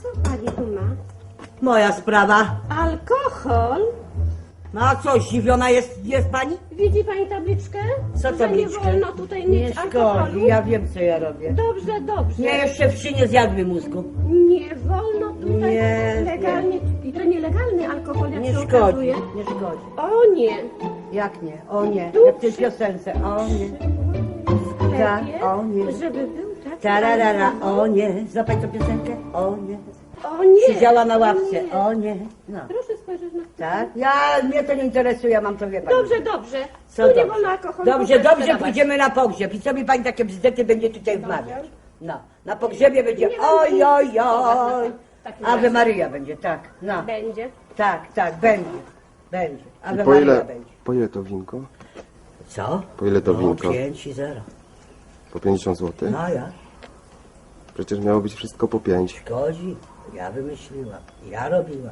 Co pani tu ma? Moja sprawa. Alkohol? No a co, zdziwiona jest pani? Widzi pani tabliczkę? Co Że tabliczkę? nie wolno tutaj Nie mieć alkoholu. szkodzi, ja wiem co ja robię. Dobrze, dobrze. Nie, jeszcze wsi nie zjadły mózgu. Nie wolno tutaj Nie, legalnie. I to nielegalny alkohol, jak Nie się szkodzi, okazuje. nie szkodzi. O nie. Jak nie? O nie, Tu jak w tej piosence. O nie. W sklepie, Tak, o nie. żeby był taki Tararara, alkohol. o nie. Złapaj tą piosenkę. O nie. O nie. Siedziała na ławce. Nie. O nie. No. Proszę spojrzeć na to. Tak? Mnie to nie interesuje, ja mam to wie pani. Dobrze, dobrze. Co Tu nie dobrze? wolno alkoholu. Dobrze, w ogóle dobrze, sprzedawać. pójdziemy na pogrzeb. I co mi pani takie bzdety będzie tutaj wmawiać? No, na pogrzebie będzie Nie oj, będę oj, insistować oj. na takim Ave razie. Maria będzie, tak. No, Będzie. tak, będzie. Będzie. Ave I po Maria ile, będzie. po ile to winko? Co? Po ile to No, winko? 5 i 0. Po 50 zł? No ja. Przecież miało być wszystko po 5. Szkodzi. Ja wymyśliłam. Ja robiłam.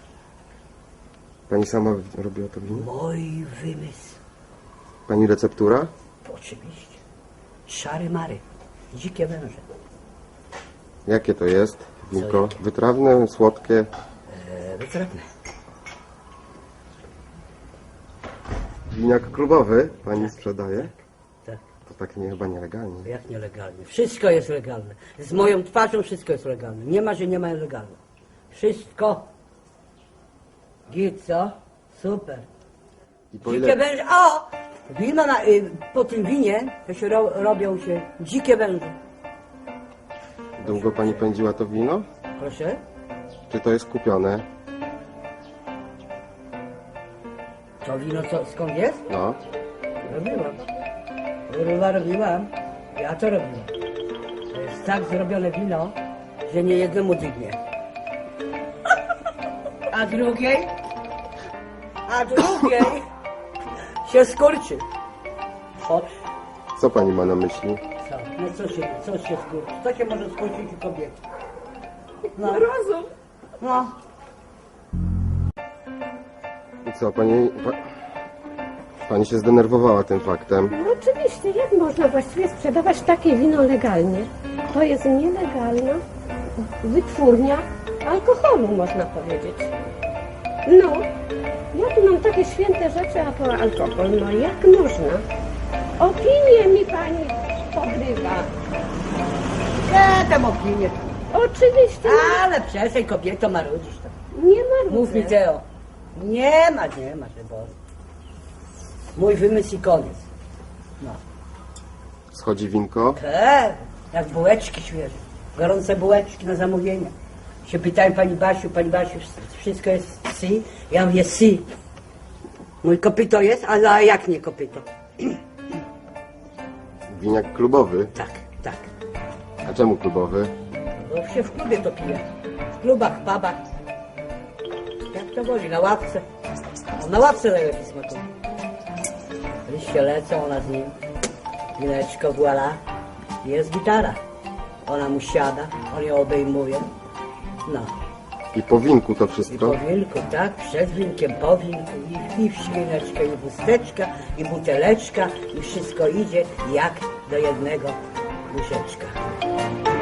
Pani sama robiła to wino? Mój wymysł. Pani receptura? Oczywiście. Szary mary. Dzikie węże. Jakie to jest winko? Wytrawne, słodkie? Wytrawne. Winiak klubowy pani sprzedaje? Tak. To tak nie, chyba nielegalnie. Jak nielegalnie? Wszystko jest legalne. Z moją twarzą wszystko jest legalne. Nie ma, że nie ma legalne. Wszystko. Git, co? Super. I po Dzikie ile, węże. O! Wino po tym winie to się robią się dzikie węże. długo pani pędziła to wino? Proszę? Czy to jest kupione? To wino skąd jest? No. Robiłam. Kurwa, robiłam. Ja to robiłam. To jest tak zrobione wino, że nie jednemu dygnie. A drugiej się skurczy. Chodź. Co pani ma na myśli? Co? No co się skurczy? Co się może skurczyć u kobiety? No. Rozum. No. I co, pani się zdenerwowała tym faktem? No oczywiście, jak można właściwie sprzedawać takie wino legalnie? To jest nielegalna wytwórnia alkoholu, można powiedzieć. No, ja tu mam takie święte rzeczy, a to alkohol, no jak można? Opinię mi pani pogrywa. Ja tam opinię. Oczywiście, Ale przestań kobieto marudzisz to. nie ma Mów mi Teo. Nie ma, że bo. Mój wymysł i koniec. No. Schodzi winko? Jak bułeczki świeże. Gorące bułeczki na zamówienie. Się pytałem pani Basiu, wszystko jest si? Ja mówię si. Mój kopyto jest, ale jak nie kopyto? Winiak klubowy? Tak. A czemu klubowy? Bo się w klubie to pije. W klubach, pubach. Jak to woli, na ławce. A na ławce najlepiej smakuje. Liście lecą, ona z nim. Wineczko, voila. Jest gitara. Ona mu siada, on ją obejmuje. No. I po winku to I wszystko? po wilku, tak, przed winkiem, po winku, i w świneczkę, i chusteczka, i buteleczka, i wszystko idzie jak do jednego łyżeczka.